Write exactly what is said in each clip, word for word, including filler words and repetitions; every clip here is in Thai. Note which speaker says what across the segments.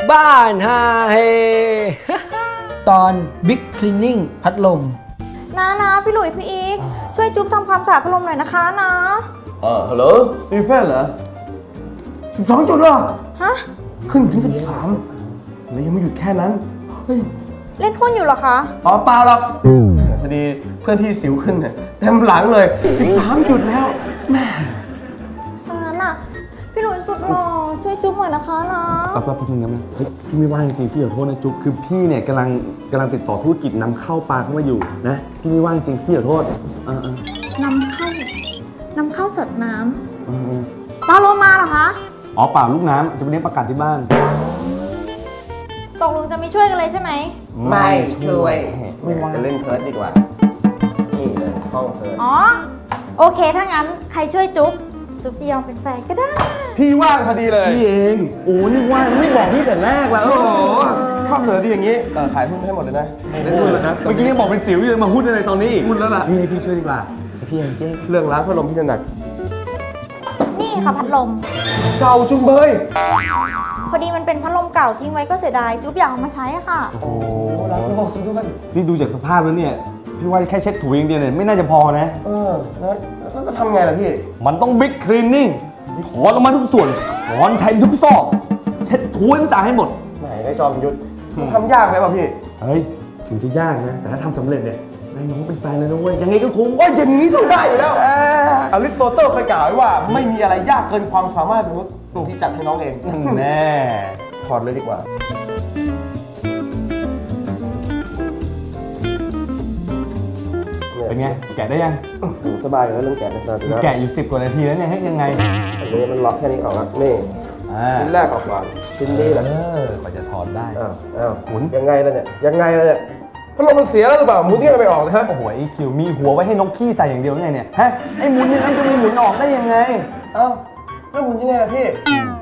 Speaker 1: บ้านฮาเฮตอนบิ๊กคลีนนิ่งพัดลม
Speaker 2: นะนะพี่หลุยพี่อีกช่วยจุ๊บทำความสะอาดพัดลมหน่อยนะคะนะ
Speaker 3: เออฮัลโหลสตีเฟนเหรอสิบสองจุดเหรอ
Speaker 2: ฮะ
Speaker 3: ขึ้นถึงสิบสามแล้วยังไม่หยุดแค่นั้นเฮ้ย
Speaker 2: เล่นหุ้นอยู่เหรอคะ
Speaker 3: อ๋อเปล่าหรอกพอดีเพื่อนพี่สิวขึ้นเนี่ยเต็มหลังเลยสิบสามจุดแล้วแม่
Speaker 2: สงนั้นอ่ะพี่หลุยสุดหล่อช่วยจุ๊บหน่อยนะคะนะ
Speaker 4: แป๊บแป๊บนึงนะเฮ้ยพี่ไม่ว่างจริงพี่ขอโทษนะจุ๊บคือพี่เนี่ยกำลังกำลังติดต่อธุรกิจนำเข้าปลาเข้ามาอยู่นะพี่ไม่ว่างจริงพี่ขอโทษเออเอ
Speaker 2: อนำเข้านำเข้าสัตว์น้ำปลาโลมาเหรอคะ
Speaker 4: อ๋อเปล่าลูกน้ำจะไปเลี้ยงปลากัดที่บ้าน
Speaker 2: ตกลงจะไม่ช่วยกันเลยใช่ไหม
Speaker 3: ไม่ช่วยไม่ว่างจะเล่นเพิร์ดดีกว่านี่เลยห้องเพิร์ด
Speaker 2: อ๋อโอเคถ้างั้นใครช่วยจุ๊บจุ๊บจะยอมเป็นแฟนก็ได้
Speaker 3: พี่ว่างพอดีเลย
Speaker 4: พี่เองโอ้นี่ว่างไม่บอกพี่แต่แรกแล้วโอ้
Speaker 3: ข้อเสนอดีอย่างนี้ขายหุ้นให้หมดเลยนะเล่นหุ้นเลยนะ
Speaker 4: เมื่อกี้ยังบอกเป็นสิวอยู่เลยมาหุ้นอะไรตอนนี้
Speaker 3: หุ้นแล้วล่ะ
Speaker 4: นี่ให้พี่ช่วยดีกว่าพี่เอง
Speaker 3: เรื่องล้างพัดลมพี่ถนัด
Speaker 2: นี่ค่ะพัดลม
Speaker 3: เก่าจุงเบย
Speaker 2: พอดีมันเป็นพัดลมเก่าทิ้งไว้ก็เสียดายจุ๊บอยากเอามาใช้ค่ะ
Speaker 3: โอ้รักโลกสุดด้วย
Speaker 4: นี่ดูจากสภาพแล้วเนี่ยพี่ว่าแค่เช็ดถูอย่างเดียวเนี่ยไม่น่าจะพอนะ
Speaker 3: เออแล้วแล้วจะทำไงล่ะพี่
Speaker 4: มันต้องบิ๊กคลีนนิ่งถอนออกมาทุกส่วนถอนแทนทุกซอกเช็ดถูให้มันสะอาดให้หมด
Speaker 3: ไหนได้จอมยุทธทำยากไหมป่ะพี่
Speaker 4: เฮ้ยถึงจะยากนะแต่ถ้าทำสำเร็จเนี่ยนายน้องเป็นแฟนเลยนะเว้ยยังไงก็คุ้ม
Speaker 3: ว่าอย่างนี้ต้องได้อยู่แล้วอริสโตเติลเคยกล่าวไว้ว่าไม่มีอะไรยากเกินความสามารถมนุษย์พี่จัดให้น้องเอง
Speaker 4: แน่
Speaker 3: ถอดเลยดีกว่า
Speaker 4: เป็นไงแกะได้ยัง
Speaker 3: สบายอยู่แล้วเรื่องแกะนะ
Speaker 4: แกะอยู่สิบกว่านาทีแล้วเนี่ยให้ยังไง
Speaker 3: อันนี้มันล็อกแค่นี้ออกแล้วนี่ชิ้นแรกออกก่อนชิ้นนี้แหละ
Speaker 4: กว่าจะถอดได้
Speaker 3: อ้าวอ้าวหมุนยังไงล่ะเนี่ยยังไงล่ะเนี่ยพัดลมมันเสียแล้วหรือเปล่าหมุนยังไม่ออกนะฮะ
Speaker 4: โอ้โหไอคิวมีหัวไว้ให้นกขี้ใส่อย่างเดียวไงเนี่ยฮะไอหมุนนี่มันจะมีหมุนออกได้ยังไง
Speaker 3: เอ้าแล้วหมุนยังไงล่ะพี่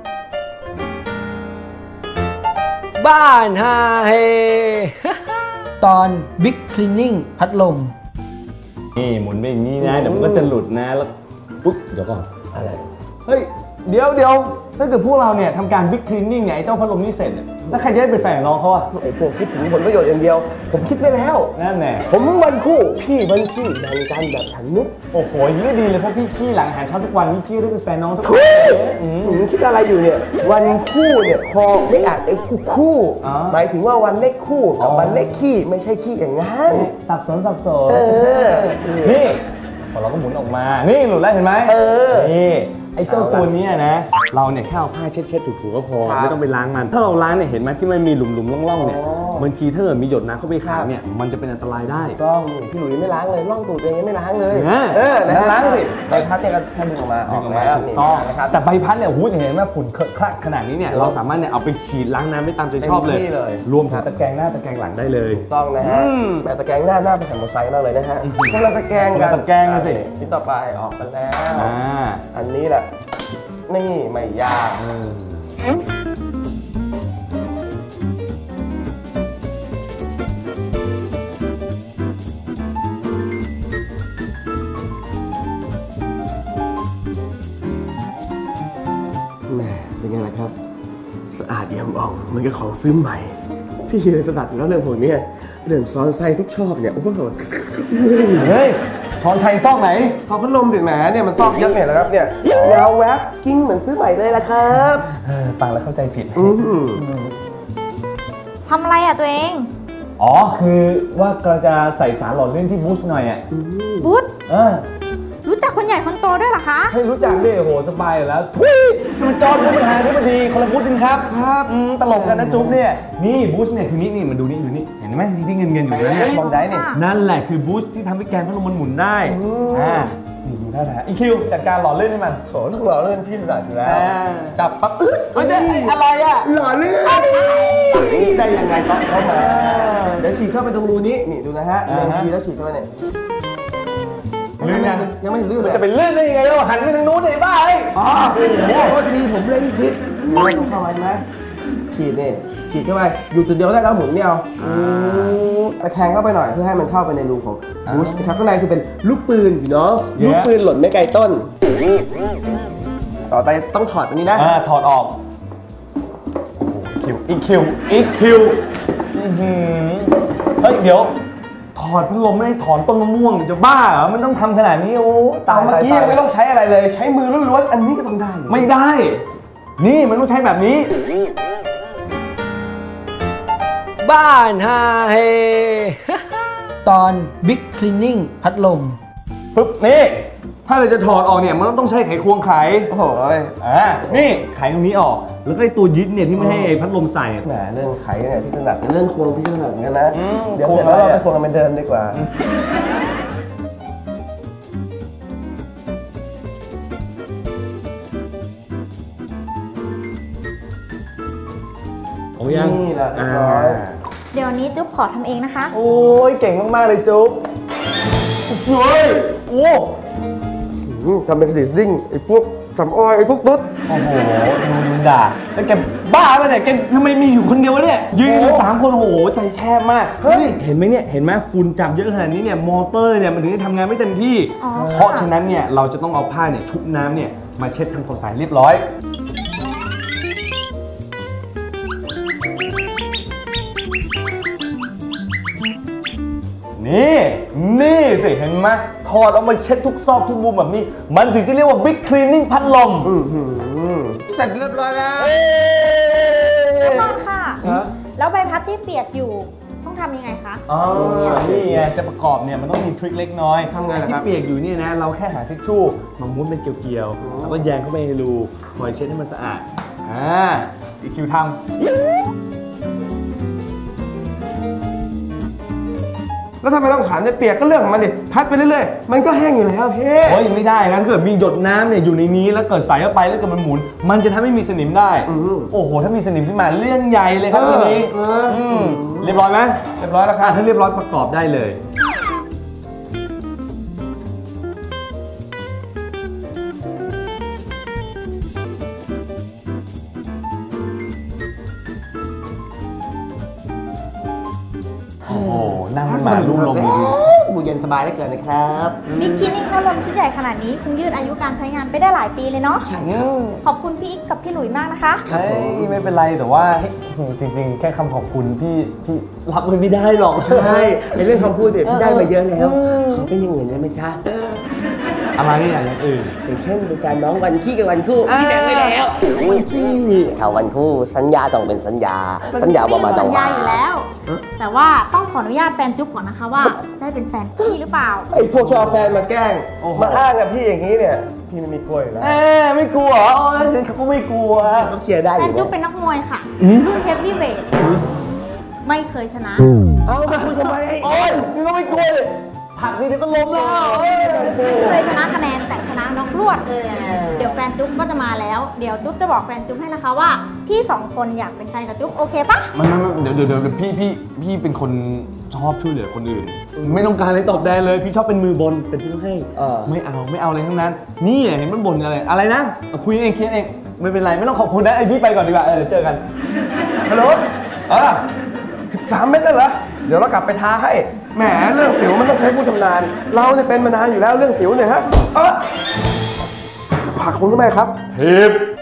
Speaker 1: บ้านฮาเฮตอนบิ๊กคลีนนิ่งพัดลม
Speaker 4: นี่หมุนไปอย่างนี้นะเดี๋ยวมันก็จะหลุดนะแล้วปุ๊บเดี๋ยวก่อน
Speaker 3: อะไร
Speaker 4: เฮ้ยเดี๋ยวเดี๋ยวถ้าเกิดพวกเราเนี่ยทำการบิ๊กคลีนนิ่งเนี่ยไอ้เจ้าพัดลมนี่เสร็จเนี่ยแล้วใครจะได้เป็นแฟนน้องเขาอะ
Speaker 3: ไอ้พวกคิดถึงผลประโยชน์อย่างเดียวผมคิดไปแล้ว
Speaker 4: นั่นแหละ
Speaker 3: ผมวันคู่พี่วันพี่แบ่งกันแบบฉันนุ๊ก
Speaker 4: โอ้โหยิ่งดีเลยเพราะพี่ขี้หลังอาหารเช้าทุกวันนี่พี่ได้เป็นแฟนน้องทุก
Speaker 3: วันคิดอะไรอยู่เนี่ยวันคู่เนี่ยคอไม่อาจไอ้คู่คู่หมายถึงว่าวันเลขคู่กับวันเลขขี้ไม่ใช่ขี้อย่างนั้น
Speaker 4: สับสนสับสนนี่พอเราก็หมุนออกมานี่หลุดแล้วเห็นไหม
Speaker 3: เออ
Speaker 4: นี่ไอ้เจ้าตัวนี้นะเราเนี่ยแค่เอาผ้าเช็ดๆถูๆก็พอไม่ต้องไปล้างมันถ้าเราล้างเนี่ยเห็นไหมที่มันมีหลุมๆร่องๆเนี่ยบางทีถ้าเกิดมีหยดน้ำเข้าไปขังเนี่ยมันจะเป็นอันตรายได้
Speaker 3: ต้องพี่หลุยไม่ล้างเลยร่องตูดเองยังไม่ล้างเลย
Speaker 4: เออล้างสิ
Speaker 3: ใบพัดเนี่ยก็แค่ดึงออกมาออกแล้ว
Speaker 4: ถูกต้องนะครับแต่ใบพัดเนี่ยหูเห็นไหมฝุ่นเคอะคละขนาดนี้เนี่ยเราสามารถเนี่ยเอาไปฉีดล้างน้ำได้ตามใจชอบเลยรวมถึงตะแกรงหน้าตะแกรงหลังได้เลย
Speaker 3: ถูกต้องนะฮะแต่ตะแกรงหน้าหน้าเป็นสัมโมไซค์มากเลยนะฮะพวกเราตะแกรงกัน
Speaker 4: ตะแกรงกันสิ
Speaker 3: ชิ้นต่อไปออกมาแล้วอันนี้แหละนี่ไม่ยากแหมเป็นไงล่ะครับสะอาดเอี่ยมอ่องเหมือนกับของซื้อใหม่พี่เลยสะดัดแล้วเรื่องพวกนี้เรื่องซ้อนไส้ทุกชอบเนี่ยโอ้โห
Speaker 4: เฮ้ยช้อนชัยซอกไหน
Speaker 3: ซอกพัดลมถึงแหมเนี่ยมันซอกเยอะเนี่ยนะครับเนี่ยยาวแวบกิ้งเหมือนซื้อใหม่เลยละครับ
Speaker 4: ฟังแล้วเข้าใจผิด
Speaker 2: ทำอะไรอ่ะตัวเอง
Speaker 4: อ๋อคือว่าเราจะใส่สารหล่อลื่นที่บูชหน่อยอ่ะ
Speaker 2: บูช
Speaker 4: เออ
Speaker 2: รู้จักคนใหญ่คนโตด้วยเหรอคะ
Speaker 4: ให้รู้จักดิโหสบายแล้วทุยมันจอดผู้บริหารที่มันดีคนละบูชจริงครับ
Speaker 3: ครับ
Speaker 4: ตลกกันนะจุ๊บเนี่ยนี่บูชเนี่ยคือนี่นี่มันดูนี่ดูนี่เห็นไหมที่เงินเงินอยู่เนี่ย
Speaker 3: มองได้เนี่ย
Speaker 4: นั่นแหละคือบูชที่ทำให้แกนพัดลมมันหมุนได้อ่านี่ดูได้นะอีคิวจัดการหล่อลื่นให้มัน
Speaker 3: โถต้องหล่อลื่นพี่สะอยู่แล้วจับปั๊บอึด
Speaker 4: มันจะอะไรอ่ะ
Speaker 3: หล่อลื่นได้ยังไงก็เข้ามาเดี๋ยวฉีดเข้าไปตรงรูนี้นี่ดูนะฮะเล็งทีแล้วฉีดเข้าไปเนี่ย
Speaker 4: ลื่นยัง
Speaker 3: ยังไม่ลื่นเลย
Speaker 4: จะเป็นลื่นได้ยังไงเราหันไปทางนู้นเลยบ้าไอ้
Speaker 3: อ๋อโอ้โหทีผมเล่นผิดเราต้องเข้าไปไหมฉีดนี่ฉีดเข้าไปอยู่จุดเดียวได้แล้วหมุนเนี่ยเอาตะแคงเข้าไปหน่อยเพื่อให้มันเข้าไปในรูของบูชนะครับข้างในคือเป็นลูกปืนอยู่เนาะลูกปืนหล่นไม่ไกลต้นต่อไปต้องถอดอันนี้นะ
Speaker 4: ถอดออกคิวอีคิวอีคิวเฮ้ยเดี๋ยวถอดพัดลมไม่ได้ถอนต้นมะม่วงจะบ้าเหรอมันต้องทำขนาดนี้โอ้ตาย
Speaker 3: เมื่อกี้ยังไม่ต้องใช้อะไรเลยใช้มือล้วนๆอันนี้ก็ทำได้
Speaker 4: ไม่ได้นี่มันต้องใช้แบบนี้
Speaker 1: บ้านฮาเฮ ตอน Big Cleaning พัดลม
Speaker 4: ปึ๊บนี่ถ้าเราจะถอดออกเนี่ยมันต้องใช้ไขควงไข
Speaker 3: โอ้โห
Speaker 4: อ่านี่ไขตรงนี้ออกแล้วก็ไอ้ตัวยึดเนี่ยที่ไม่ให้พัดลมใส่
Speaker 3: แหมเรื่องไขเนี่ยพี่ถนัดเรื่องควงพี่ถนัดกันนะเดี๋ยวเสร็จแล้วเราไปควงกันไปเดินดีกว่า
Speaker 4: โอ้ยัง
Speaker 3: นี่แหละเรียบร้อย
Speaker 2: เดี๋ยวนี้จุ๊บขอทำเองนะคะ
Speaker 4: โอ้ยเก่งมากๆเลยจุ๊บเฮ้ยโอ้
Speaker 3: ทำเป็นสีดิ้งไอ้พวกสำออยไอ้พวกตุ๊ด
Speaker 4: โอ้โหดูมึงด่าแล้วแกบ้าป่ะเนี่ยแกทำไมมีอยู่คนเดียววะเนี่ยยืนอยู่สามคนโอ้โหใจแคบมากเฮ้ยเห็นไหมเนี่ยเห็นไหมฝุ่นจับเยอะขนาดนี้เนี่ยมอเตอร์เนี่ยมันถึงได้ทำงานไม่เต็มที่เพราะฉะนั้นเนี่ยเราจะต้องเอาผ้าเนี่ยชุบน้ำเนี่ยมาเช็ดทำความสะอาดเรียบร้อยนี่นี่สิเห็นไหมถอดออกมาเช็ดทุกซอกทุกมุมแบบนี้มันถึงจะเรียกว่า Big Cleaning พัดลม
Speaker 3: เสร็จเรียบร้อยแล้ว
Speaker 2: ทุกคนค่ะแล้วใบพัดที่เปียกอยู่ต้องทำยังไงคะ
Speaker 4: อ๋อนี่ไงจะประกอบเนี่ยมันต้องมีทริคเล็กน้อย
Speaker 3: ทำไง
Speaker 4: ที่เปียกอยู่เนี่ยนะเราแค่หาทิชชู่มาม้วนเป็นเกลียวๆแล้วก็แยงเข้าไปในรูคอยเช็ดให้มันสะอาดอ่าอีคิวทำ
Speaker 3: แล้วทำไมต้องขันเนี่ยเปียกก็เรื่องของมันดิพัดไปเรื่อยๆมันก็แห้งอยู่แล้วเพ่
Speaker 4: โอ้ยไม่ได้นะถ้าเกิดมีหยดน้ำเนี่ยอยู่ในนี้แล้วเกิดใส่เข้าไปแล้วเกิดมันหมุนมันจะทำให้มีสนิมได้โอ้โหถ้ามีสนิมขึ้นมาเรื่องใหญ่เลยครับทีนี้เรียบร้อยไหม
Speaker 3: เรียบร้อยแล้วครับ
Speaker 4: ถ้าเรียบร้อยประกอบได้เลยโอ้โหนั่งมาลุ่มลมดี
Speaker 3: บูเย็นสบายได้เกินนะครับ
Speaker 2: บิ๊กคลีนนิ่งพัดลมชุดใหญ่ขนาดนี้คงยืดอายุการใช้งานไปได้หลายปีเลยเนาะ
Speaker 3: ใช่เงี้ย
Speaker 2: ขอบคุณพี่อีกกับพี่หลุยมากนะคะ
Speaker 4: เฮ้ยไม่เป็นไรแต่ว่าจริงๆแค่คำขอบคุณพี่พี่รับมันไม่ได้หรอก
Speaker 3: ใช่ในเรื่องคำพูดเนี่ยพี่ได้มาเยอะแล้วขอเป็นอย่างอื่นได้ไหมจ๊ะ
Speaker 4: อะไรอย่างอื่น
Speaker 3: อย่างเช่นเป็นแฟนน้องวันขี้กับวันคู่พี่แดงไปแล้ววันขี้เขาวันคู่สัญญาต้องเป็นสัญญาสัญญาประมาณ
Speaker 2: สัญญาอยู่แล้วแต่ว่าต้องขออนุญาตแฟนจุ๊บก่อนนะคะว่าจะเป็นแฟนพี่หรือเปล่า
Speaker 3: ไอ้พวกชอบแฟนมาแกล้งมาอ้างกับพี่อย่างนี้เนี่ยพี่ไม่มีกลัวอยู่แล้ว
Speaker 4: เอ๊ไม่กลัวอ๋อเขาก็ไม่กลัว
Speaker 3: เขาเคลียร์ได้
Speaker 2: แฟนจุ๊บเป็นนักมวยค่ะรุ่นเฮฟวี่เวทไม่เคยชนะ
Speaker 3: เอาไปคุยทำไมไอ้
Speaker 4: โอ้ยนี่ก็ไม่กลัวเลยผักนี่เดี๋ยวก็ล้มแล้ว
Speaker 2: เคยชนะคะแนนแต่ชนะน็อกรวดเดี๋ยวแฟนจุ๊บก็จะมาแล้วเดี๋ยวจุ๊บจะบอกแฟนจุ๊บให้นะคะว่าพี่สองคนอยากเป็นแฟนกับจุ๊บโอเคปะ
Speaker 4: มันเดี๋ยวเดี๋ยวเดี๋ยวพี่พี่พี่เป็นคนชอบช่วยเหลือคนอื่นไม่ต้องการอะไรตอบแทนเลยพี่ชอบเป็นมือบนเป็นพี่ต้องให้ไม่เอาไม่เอาอะไรทั้งนั้นนี่เห็นมันบ่นอะไรอะไรนะคุยเองเคลียร์เองไม่เป็นไรไม่ต้องขอบคุณนะไอพี่ไปก่อนดีกว่าเออเจอกัน
Speaker 3: ฮัลโหลอ่ะสิบสามเมตรเหรอเดี๋ยวเรากลับไปทาให้แหมเรื่องสิวมันต้องใช้ผู้ชำนาญเราเนี่ยเป็นมานานอยู่แล้วเรื่องสิวเนี่ยฮะเออผักคุณทำไมครับ
Speaker 4: ทิป